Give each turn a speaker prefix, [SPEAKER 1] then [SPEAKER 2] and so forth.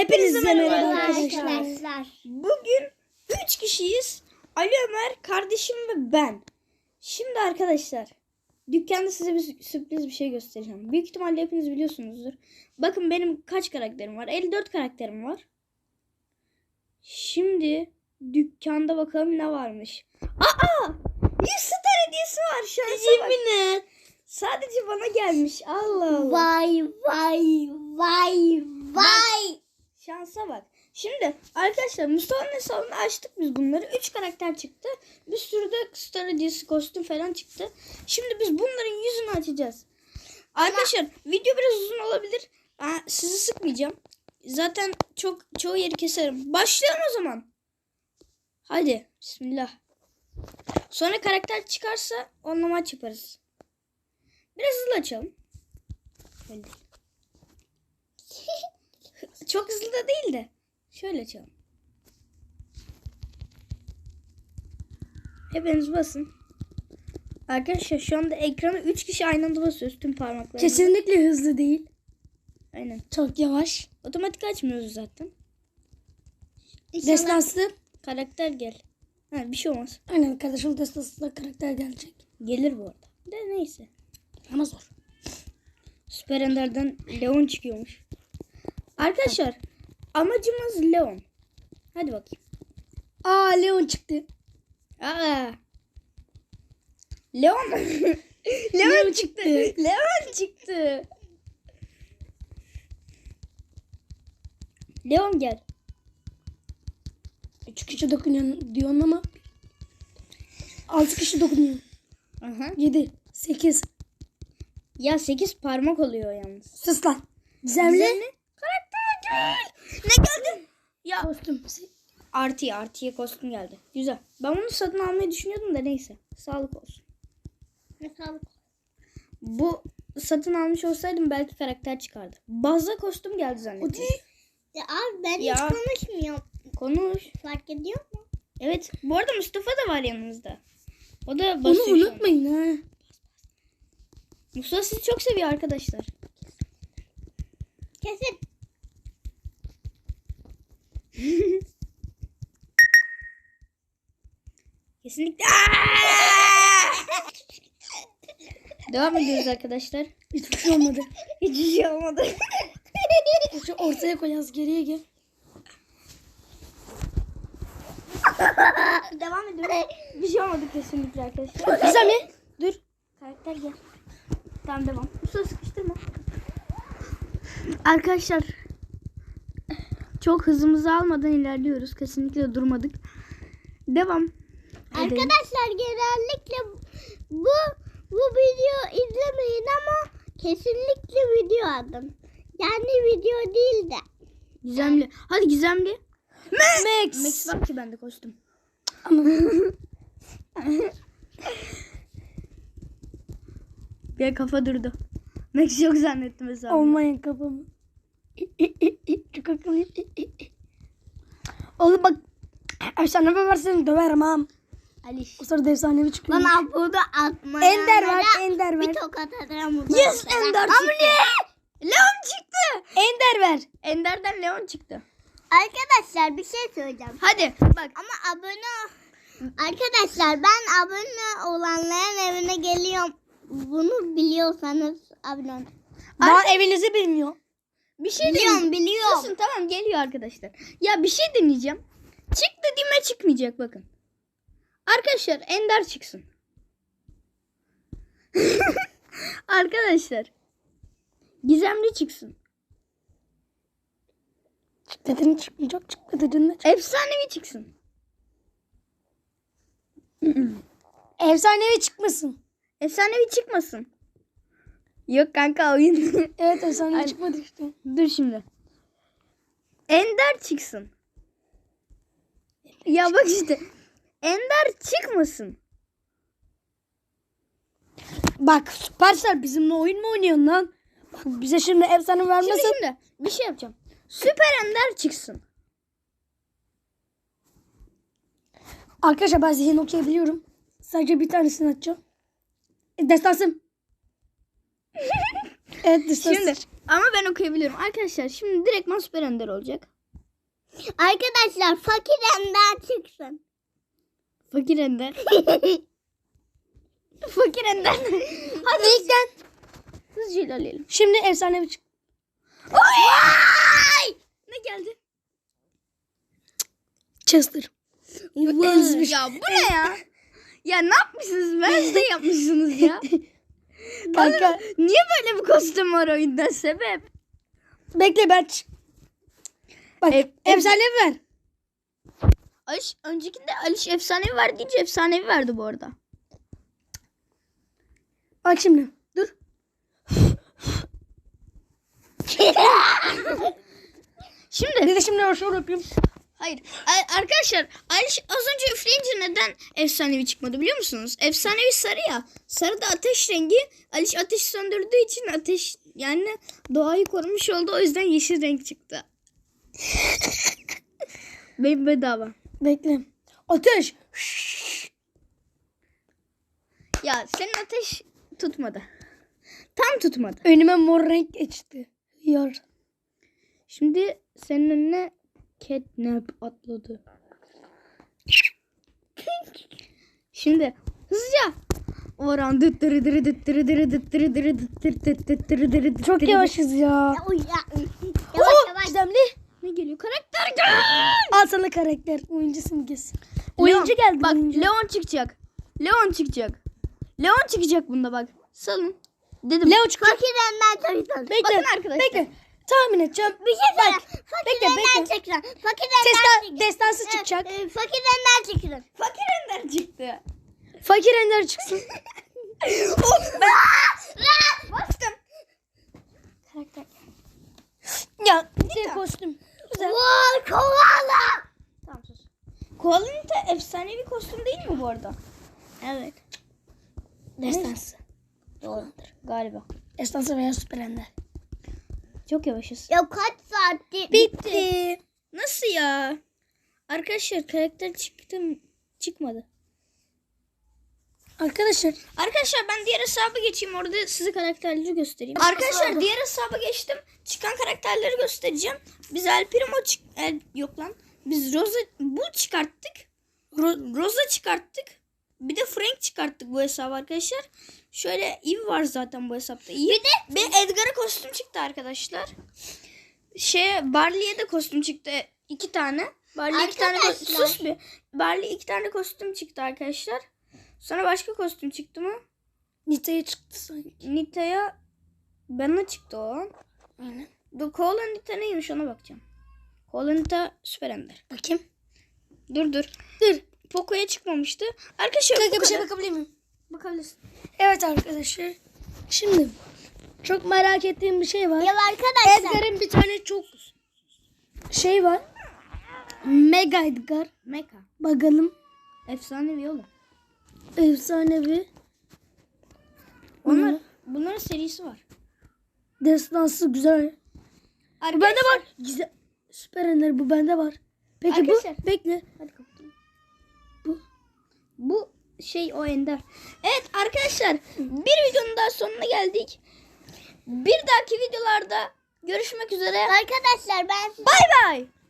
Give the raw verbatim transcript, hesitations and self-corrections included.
[SPEAKER 1] Hepinize merhaba
[SPEAKER 2] arkadaşlar.
[SPEAKER 1] arkadaşlar. Bugün üç kişiyiz. Ali Ömer, kardeşim ve ben. Şimdi arkadaşlar, dükkanda size bir sürpriz bir şey göstereceğim. Büyük ihtimalle hepiniz biliyorsunuzdur. Bakın benim kaç karakterim var? elli dört karakterim var. Şimdi dükkanda bakalım ne varmış. Aa! yüz star hediyesi var şansa bak.
[SPEAKER 2] Yemin et.
[SPEAKER 1] Sadece bana gelmiş. Allah Allah.
[SPEAKER 2] Vay vay vay vay.
[SPEAKER 1] Şansa bak. Şimdi arkadaşlar Mustafa'nın hesabını açtık biz bunları. üç karakter çıktı. Bir sürü de star hediyesi, kostüm falan çıktı. Şimdi biz bunların yüzünü açacağız. Arkadaşlar video biraz uzun olabilir. Aa, sizi sıkmayacağım. Zaten çok çoğu yeri keserim. Başlayalım o zaman. Hadi bismillah. Sonra karakter çıkarsa onunla maç yaparız. Biraz hızlı açalım. Öyle değil. Çok hızlı da değil de. Şöyle açalım. Hepiniz basın. Arkadaşlar şu anda ekrana üç kişi aynı anda basıyoruz tüm parmaklarla.
[SPEAKER 2] Kesinlikle hızlı değil.
[SPEAKER 1] Aynen.
[SPEAKER 2] Çok yavaş.
[SPEAKER 1] Otomatik açmıyoruz zaten.
[SPEAKER 2] Destansı.
[SPEAKER 1] Karakter gel. Ha, bir şey olmaz.
[SPEAKER 2] Aynen kardeşim destansında karakter gelecek.
[SPEAKER 1] Gelir bu arada. De neyse.
[SPEAKER 2] Ama zor.
[SPEAKER 1] Süper Ender'den Leon çıkıyormuş. Arkadaşlar amacımız Leon. Hadi bakayım.
[SPEAKER 2] Aa Leon çıktı.
[SPEAKER 1] Aa. Leon. Leon çıktı. Leon çıktı. Leon gel.
[SPEAKER 2] Üç kişi dokunuyor diyorsun ama altı kişi dokunuyor.
[SPEAKER 1] Aha.
[SPEAKER 2] Yedi. Sekiz.
[SPEAKER 1] Ya sekiz parmak oluyor yalnız.
[SPEAKER 2] Sus lan. Gizemli.
[SPEAKER 1] Gizemli. Karakter gel. Ne geldi? Ya
[SPEAKER 2] Kostüm.
[SPEAKER 1] artıya artıya kostüm geldi. Güzel. Ben bunu satın almayı düşünüyordum da neyse. Sağlık olsun.
[SPEAKER 2] Ne sağlık.
[SPEAKER 1] Bu satın almış olsaydım belki karakter çıkardı. Bazda kostüm geldi zannettim.
[SPEAKER 2] Ya abi ben
[SPEAKER 1] Ya.
[SPEAKER 2] hiç konuşmuyorum.
[SPEAKER 1] Konuş.
[SPEAKER 2] Fark ediyor mu?
[SPEAKER 1] Evet. Bu arada Mustafa da var yanımızda. O da
[SPEAKER 2] Onu
[SPEAKER 1] basıyor şu an.
[SPEAKER 2] unutmayın ha.
[SPEAKER 1] Mustafa sizi çok seviyor arkadaşlar.
[SPEAKER 2] Kesin.
[SPEAKER 1] Kesinlikle. Devam ediyoruz arkadaşlar.
[SPEAKER 2] Hiçbir şey olmadı.
[SPEAKER 1] Hiçbir şey olmadı.
[SPEAKER 2] Şu ortaya koyacağız, geriye gel.
[SPEAKER 1] Devam ediyoruz. Bir şey olmadı kesinlikle arkadaşlar.
[SPEAKER 2] Gizemli.
[SPEAKER 1] Dur. Karakter gel. Tamam devam. Mustafa sıkıştırma. Arkadaşlar çok hızımızı almadan ilerliyoruz. Kesinlikle durmadık. Devam. Edelim.
[SPEAKER 2] Arkadaşlar genellikle bu bu video izlemeyin ama kesinlikle video adım. Yani video değil de.
[SPEAKER 1] Gizemli. Hadi gizemli.
[SPEAKER 2] Max.
[SPEAKER 1] Max var ki bende kostüm.
[SPEAKER 2] Ama
[SPEAKER 1] Bir kafa durdu. Max yok zannettim mesela.
[SPEAKER 2] olmayın kafamı. Çok akıllı. Oğlum bak. Efsane versen döverim ha.
[SPEAKER 1] Ali.
[SPEAKER 2] O sırada efsanevi çıkıyor.
[SPEAKER 3] Bana bunu atma.
[SPEAKER 2] Ender ver, Ender ver.
[SPEAKER 3] Bir tokat atarım.
[SPEAKER 1] Yes Ender çıktı. Leon çıktı. Ender ver. Ender'den Leon çıktı.
[SPEAKER 3] Arkadaşlar bir şey söyleyeceğim.
[SPEAKER 1] Hadi bak.
[SPEAKER 3] Ama abone Arkadaşlar ben abone olanların evine geliyorum. Bunu biliyorsanız abone olun.
[SPEAKER 2] Daha evinizi bilmiyor.
[SPEAKER 1] Bir şey
[SPEAKER 3] Biliyorum
[SPEAKER 1] deneyeceğim.
[SPEAKER 3] biliyorum.
[SPEAKER 1] Susun tamam geliyor arkadaşlar. Ya bir şey deneyeceğim. Çık dediğime çıkmayacak bakın. Arkadaşlar Ender çıksın. Arkadaşlar. Gizemli çıksın.
[SPEAKER 2] Çık dedin çıkmayacak. Çıkma dedin de çık.
[SPEAKER 1] Efsanevi çıksın.
[SPEAKER 2] Efsanevi çıkmasın.
[SPEAKER 1] Efsanevi çıkmasın. Yok kanka oyun.
[SPEAKER 2] Evet efsanevi
[SPEAKER 1] Ay-
[SPEAKER 2] çıkmadı işte.
[SPEAKER 1] Dur şimdi. Ender çıksın. Ya bak işte. Ender çıkmasın.
[SPEAKER 2] Bak Supercell bizimle oyun mu oynuyorsun lan? Bak bize şimdi efsane
[SPEAKER 1] Şimdi
[SPEAKER 2] vermesin.
[SPEAKER 1] şimdi bir şey yapacağım. Süper Ender çıksın.
[SPEAKER 2] Arkadaşlar ben zihin okuyabiliyorum. Sadece bir tanesini açacağım. E, Destansım.
[SPEAKER 1] Evet şimdi ama ben okuyabiliyorum. Arkadaşlar şimdi direktman Süper Ender olacak.
[SPEAKER 3] Arkadaşlar fakir ender çıksın.
[SPEAKER 1] Fakir Ender. Fakir Ender. Hadi ilkten. Hızlıca ilerleyelim.
[SPEAKER 2] Şimdi efsane bir çık.
[SPEAKER 1] Oy! Ne geldi?
[SPEAKER 2] Chester.
[SPEAKER 1] Ya bu ne ya? Ya ne yapmışsınız? Ben de yapmışsınız ya.
[SPEAKER 2] Kanka.
[SPEAKER 1] Niye böyle bir kostüm var oyunda? Sebep?
[SPEAKER 2] Bekle ben. ç- Bak
[SPEAKER 1] E-
[SPEAKER 2] efsane ver.
[SPEAKER 1] Aliş, öncekinde Aliş efsanevi verdi deyince efsanevi verdi bu arada.
[SPEAKER 2] Bak şimdi. Dur.
[SPEAKER 1] Şimdi
[SPEAKER 2] Bir de şimdi şöyle yapayım.
[SPEAKER 1] hayır A- arkadaşlar Aliş az önce üfleyince neden efsanevi çıkmadı biliyor musunuz? Efsanevi sarı ya. Sarı da ateş rengi. Aliş ateş söndürdüğü için ateş yani doğayı korumuş oldu. O yüzden yeşil renk çıktı. Benim bedava.
[SPEAKER 2] Bekle. Ateş.
[SPEAKER 1] Ya senin ateş tutmadı. Tam tutmadı.
[SPEAKER 2] Önüme mor renk geçti. Yar.
[SPEAKER 1] Şimdi senin önüne catnap atladı. Şimdi hızlıca. Oran dıttırı dırı dıttırı dırı dıttırı dırı dıttırı dıttırı dırı dıttırı.
[SPEAKER 2] Çok yavaşız ya.
[SPEAKER 3] Oy ya.
[SPEAKER 2] Oo,
[SPEAKER 3] Yavaş yavaş.
[SPEAKER 2] Gizemli.
[SPEAKER 1] Ne geliyor? Karakter gel.
[SPEAKER 2] Al sana karakter. Oyuncu simgesi. Oyuncu
[SPEAKER 1] Leon.
[SPEAKER 2] geldi.
[SPEAKER 1] Bak
[SPEAKER 2] oyuncu.
[SPEAKER 1] Leon çıkacak. Leon çıkacak. Leon çıkacak bunda bak. Salın. Dedim.
[SPEAKER 2] Leo çıkacak.
[SPEAKER 3] Fakir ender çıksın.
[SPEAKER 2] Bekle.
[SPEAKER 1] Bakın arkadaşlar.
[SPEAKER 2] Bekle. Tahmin edeceğim.
[SPEAKER 3] Bir şey söyle. Fakir
[SPEAKER 2] bekle,
[SPEAKER 3] ender
[SPEAKER 2] bekle.
[SPEAKER 3] çıksın. Fakir ender
[SPEAKER 2] Destan,
[SPEAKER 3] çıksın.
[SPEAKER 2] destansı
[SPEAKER 3] Evet,
[SPEAKER 2] çıkacak.
[SPEAKER 3] e, Fakir ender çıksın.
[SPEAKER 1] Fakir Ender çıktı.
[SPEAKER 2] Fakir Ender çıksın.
[SPEAKER 1] Of ben. Bastım.
[SPEAKER 2] Karakter. Ya bir kostüm. Güzel.
[SPEAKER 3] Vay kovala.
[SPEAKER 1] Tamam sus. Koala'nın da efsanevi kostüm değil mi bu arada? Evet.
[SPEAKER 2] Destansı.
[SPEAKER 1] Doğrudur. Galiba.
[SPEAKER 2] Destansı veya Süper Ender.
[SPEAKER 1] Çok yavaşız.
[SPEAKER 3] Ya kaç saatti?
[SPEAKER 2] Bitti.
[SPEAKER 1] Nasıl ya? Arkadaşlar karakter çıktı mı? Çıkmadı.
[SPEAKER 2] Arkadaşlar.
[SPEAKER 1] Arkadaşlar ben diğer hesaba geçeyim. Orada size karakterleri göstereyim.
[SPEAKER 2] Nasıl
[SPEAKER 1] Arkadaşlar
[SPEAKER 2] oldu?
[SPEAKER 1] diğer hesaba geçtim. Çıkan karakterleri göstereceğim. Biz El Primo çık... El... Yok lan. Biz Rosa... Bu çıkarttık. Ro- Rosa çıkarttık. Bir de Frank çıkarttık bu hesaba arkadaşlar. Şöyle Eve var zaten bu hesapta. Eve. Bir de bir Edgar'a kostüm çıktı arkadaşlar. Şey Barley'e de kostüm çıktı. İki tane. Barley iki tane
[SPEAKER 3] Arkadaşlar.
[SPEAKER 1] kostüm. Sus bir. Barley iki tane kostüm çıktı arkadaşlar. Sonra başka kostüm çıktı mı?
[SPEAKER 2] Nita'ya çıktı sanki.
[SPEAKER 1] Nita'ya bana çıktı o.
[SPEAKER 2] Aynen.
[SPEAKER 1] Dur Koala Nita neymiş ona bakacağım. Koala Nita Süper Ender.
[SPEAKER 2] Bakayım.
[SPEAKER 1] Dur dur.
[SPEAKER 2] Dur.
[SPEAKER 1] Poco'ya çıkmamıştı. Arkadaşlar
[SPEAKER 2] Kanka
[SPEAKER 1] bu
[SPEAKER 2] bir şey
[SPEAKER 1] kadar.
[SPEAKER 2] bakabilir miyim?
[SPEAKER 1] Bakabilirsin.
[SPEAKER 2] Evet arkadaşlar. Şimdi çok merak ettiğim bir şey var.
[SPEAKER 3] Ya arkadaşlar.
[SPEAKER 2] Edgar'ın bir tane çok şey var. Mega Edgar.
[SPEAKER 1] Mecha.
[SPEAKER 2] Bakalım.
[SPEAKER 1] Efsanevi oğlum.
[SPEAKER 2] Efsanevi.
[SPEAKER 1] Onlar, bunların serisi var.
[SPEAKER 2] Destansı güzel. Bu
[SPEAKER 1] Arkadaşlar,
[SPEAKER 2] bende var. Güzel. Süper Ender bu bende var. Peki
[SPEAKER 1] Arkadaşlar.
[SPEAKER 2] bu? Bekle.
[SPEAKER 1] Hadi kapatalım.
[SPEAKER 2] Bu.
[SPEAKER 1] Bu şey o Ender. Evet arkadaşlar bir videonun daha sonuna geldik. Bir dahaki videolarda görüşmek üzere.
[SPEAKER 3] Arkadaşlar ben
[SPEAKER 1] Bay bay.